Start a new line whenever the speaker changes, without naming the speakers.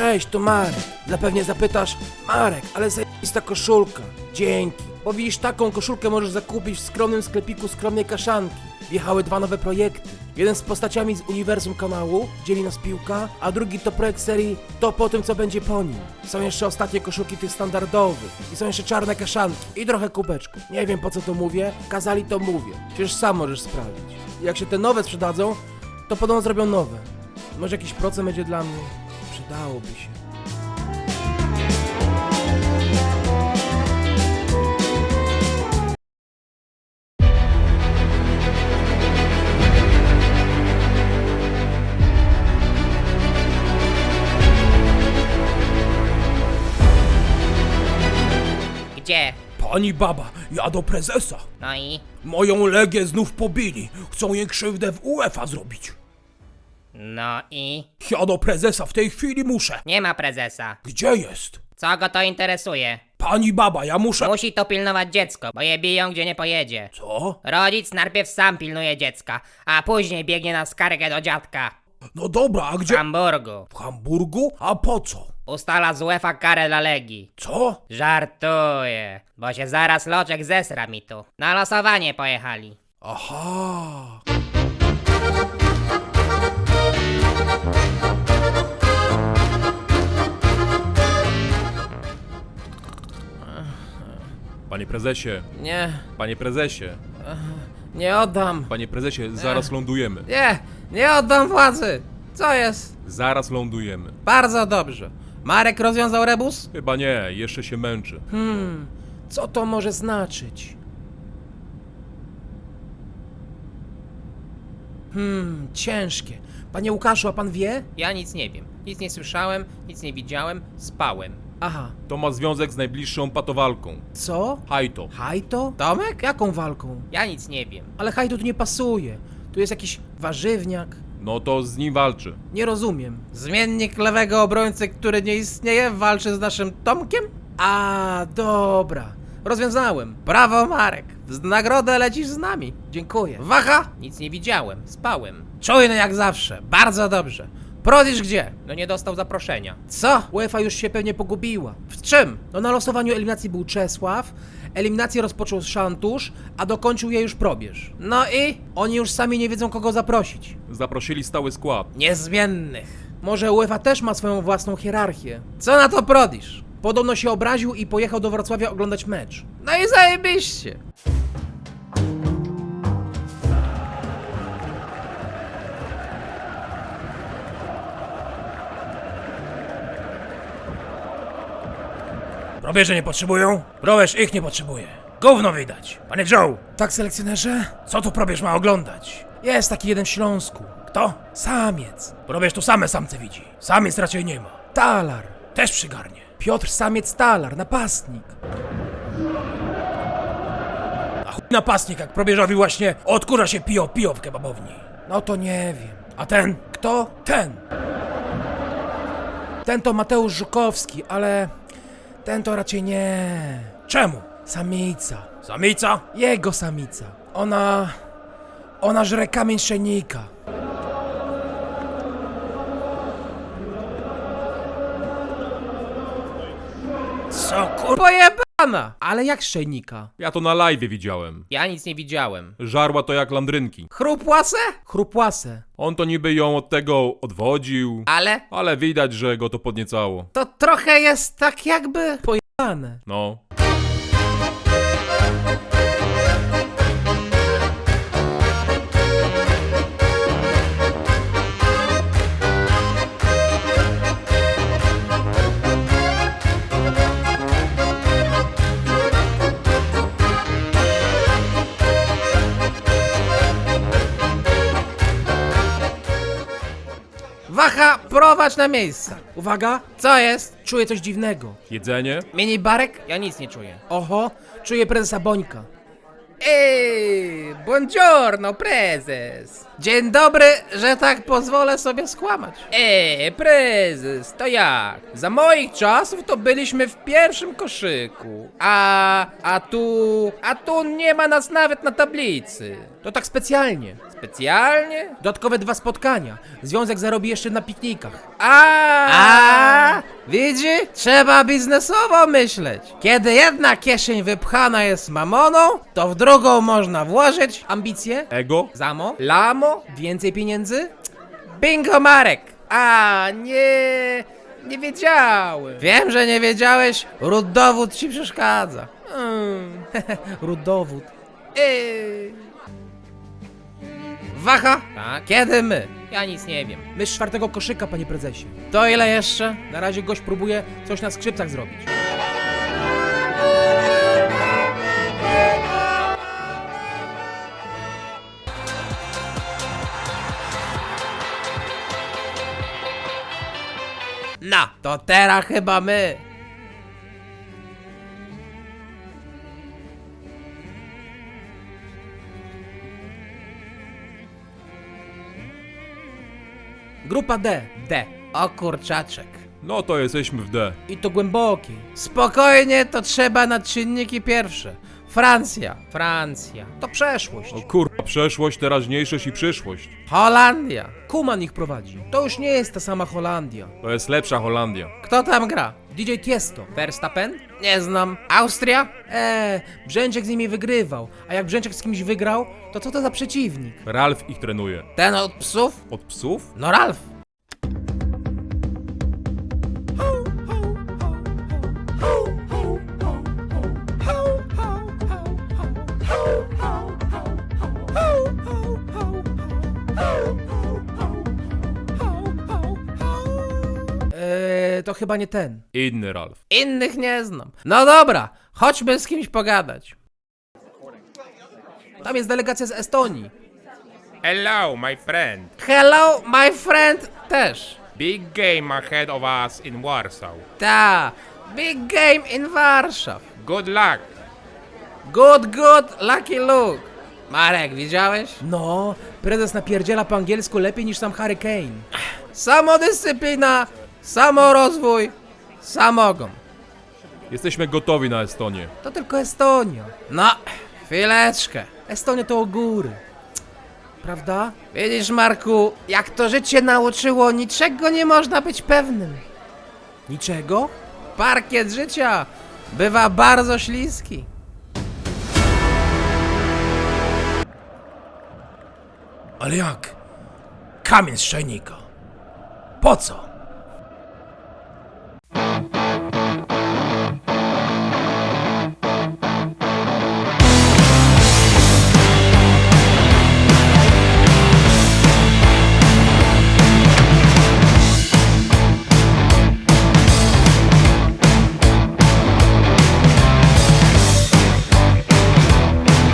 Cześć, to Marek. Zapewne zapytasz, Marek, ale zajebista koszulka. Dzięki. Bo widzisz, taką koszulkę możesz zakupić w skromnym sklepiku Skromnej Kaszanki. Wjechały 2 nowe projekty. Jeden z postaciami z uniwersum kanału, dzieli nas piłka, a drugi to projekt serii To po tym, co będzie po nim. Są jeszcze ostatnie koszulki tych standardowych. I są jeszcze czarne kaszanki. I trochę kubeczków. Nie wiem, po co to mówię, kazali to mówię. Przecież sam możesz sprawdzić. Jak się te nowe sprzedadzą, to podobno zrobią nowe. Może jakiś procent będzie dla mnie? Przydałoby się.
Gdzie?
Pani baba, ja do prezesa.
No i?
Moją Legię znów pobili. Chcą jej krzywdę w UEFA zrobić.
No i?
Ja do prezesa w tej chwili muszę.
Nie ma prezesa.
Gdzie jest?
Co go to interesuje?
Pani baba, ja muszę...
Musi to pilnować dziecko, bo je biją gdzie nie pojedzie.
Co?
Rodzic najpierw sam pilnuje dziecka, a później biegnie na skargę do dziadka.
No dobra, a
W
gdzie...
Hamburgu.
W Hamburgu? A po co?
Ustala z UEFA karę dla Legii.
Co?
Żartuję, bo się zaraz Loczek zesra mi tu. Na losowanie pojechali.
Aha.
Panie prezesie,
Nie,
prezesie,
nie oddam.
panie prezesie, zaraz lądujemy.
Nie oddam władzy. Co jest?
Zaraz lądujemy.
Bardzo dobrze. Marek rozwiązał rebus?
Chyba nie, jeszcze się męczy.
Co to może znaczyć? Ciężkie. Panie Łukaszu, a pan wie?
Ja nic nie wiem. Nic nie słyszałem, nic nie widziałem, spałem.
Aha.
To ma związek z najbliższą patowalką.
Co?
Hajto.
Hajto? Tomek? Jaką walką?
Ja nic nie wiem.
Ale hajto tu nie pasuje. Tu jest jakiś warzywniak.
No to z nim walczy.
Nie rozumiem. Zmiennik lewego obrońcy, który nie istnieje, walczy z naszym Tomkiem? A, dobra. Rozwiązałem. Brawo, Marek. W nagrodę lecisz z nami. Dziękuję. Waha?
Nic nie widziałem, spałem.
Czujny jak zawsze. Bardzo dobrze. Prodisz gdzie?
No nie dostał zaproszenia.
Co? UEFA już się pewnie pogubiła. W czym? No na losowaniu eliminacji był Czesław, eliminację rozpoczął Szantusz, a dokończył je już Probierz. No i? Oni już sami nie wiedzą kogo zaprosić.
Zaprosili stały skład.
Niezmiennych. Może UEFA też ma swoją własną hierarchię. Co na to Prodisz? Podobno się obraził i pojechał do Wrocławia oglądać mecz. No i zajebiście.
Probierze nie potrzebują? Probierz ich nie potrzebuje. Gówno widać. Panie Joe,
Tak, selekcjonerze?
co tu probierz ma oglądać?
Jest taki jeden w Śląsku.
Kto?
Samiec.
Probierz tu same samce widzi. Samiec raczej nie ma.
Talar.
Też przygarnie.
Piotr Samiec Talar, napastnik.
A chuj napastnik, jak probierzowi właśnie odkurza się pijo w kebabowni.
No to nie wiem.
A ten?
Kto?
Ten.
Ten to Mateusz Żukowski, ale ten to raczej nie.
Czemu?
Samica.
Samica?
Jego samica. Ona żre kamień szenika.
Co kur...
Pojebana! Ale jak szejnika?
Ja to na live widziałem.
Ja nic nie widziałem.
Żarła to jak landrynki.
Chrupłase? Chrupłase.
On to niby ją od tego odwodził, ale widać, że go to podniecało.
To trochę jest tak jakby pojebane.
No.
Waha, prowadź na miejsce. Uwaga, co jest? Czuję coś dziwnego.
Jedzenie?
Minibarek?
Ja nic nie czuję.
Oho, czuję prezesa Bońka.
Buongiorno, prezes.
Dzień dobry, że tak pozwolę sobie skłamać.
Prezes, to jak? Za moich czasów to byliśmy w pierwszym koszyku. A tu nie ma nas nawet na tablicy.
To tak specjalnie.
Specjalnie?
Dodatkowe 2 spotkania. Związek zarobi jeszcze na piknikach.
Widzi? Trzeba biznesowo myśleć. Kiedy jedna kieszeń wypchana jest mamoną, to w drugą można włożyć
Ambicje?
Ego?
zamo, lamo,
Więcej pieniędzy?
bingo Marek. Nie wiedziałem. Wiem, że nie wiedziałeś, ród ci przeszkadza.
Ród-dowód.
Wacha? Tak. Kiedy my? Ja nic nie wiem.
My z 4. koszyka, panie prezesie.
To ile jeszcze?
Na razie gość próbuje coś na skrzypcach zrobić.
No, to teraz chyba my.
Grupa D.
D. O kurczaczek.
No to jesteśmy w D.
I to głębokiej.
Spokojnie, to trzeba na czynniki pierwsze. Francja.
To przeszłość.
O kurwa, przeszłość, teraźniejszość i przyszłość.
Holandia.
Kuman ich prowadzi. To już nie jest ta sama Holandia.
To jest lepsza Holandia.
Kto tam gra?
DJ Tiesto.
Verstappen? Nie znam. Austria?
Brzęczek z nimi wygrywał. A jak Brzęczek z kimś wygrał, to co to za przeciwnik?
Ralf ich trenuje.
Ten od psów?
Od psów?
No Ralf.
To chyba nie ten.
Inny Ralf.
Innych nie znam. No dobra, chodźmy z kimś pogadać.
Tam jest delegacja z Estonii.
Hello, my friend.
Hello, my friend też.
Big game ahead of us in Warsaw.
Ta, big game in Warszaw.
Good luck.
Good, lucky Luke. Marek, widziałeś?
No, prezes napierdziela po angielsku lepiej niż sam Harry Kane.
Samodyscyplina, samorozwój, samogon.
Jesteśmy gotowi na Estonię.
To tylko Estonia.
No, chwileczkę.
Estonia to o góry. Prawda?
Widzisz, Marku, jak to życie nauczyło, niczego nie można być pewnym.
Niczego?
Parkiet życia bywa bardzo śliski.
Ale jak? Kamień z czajnika. Po co?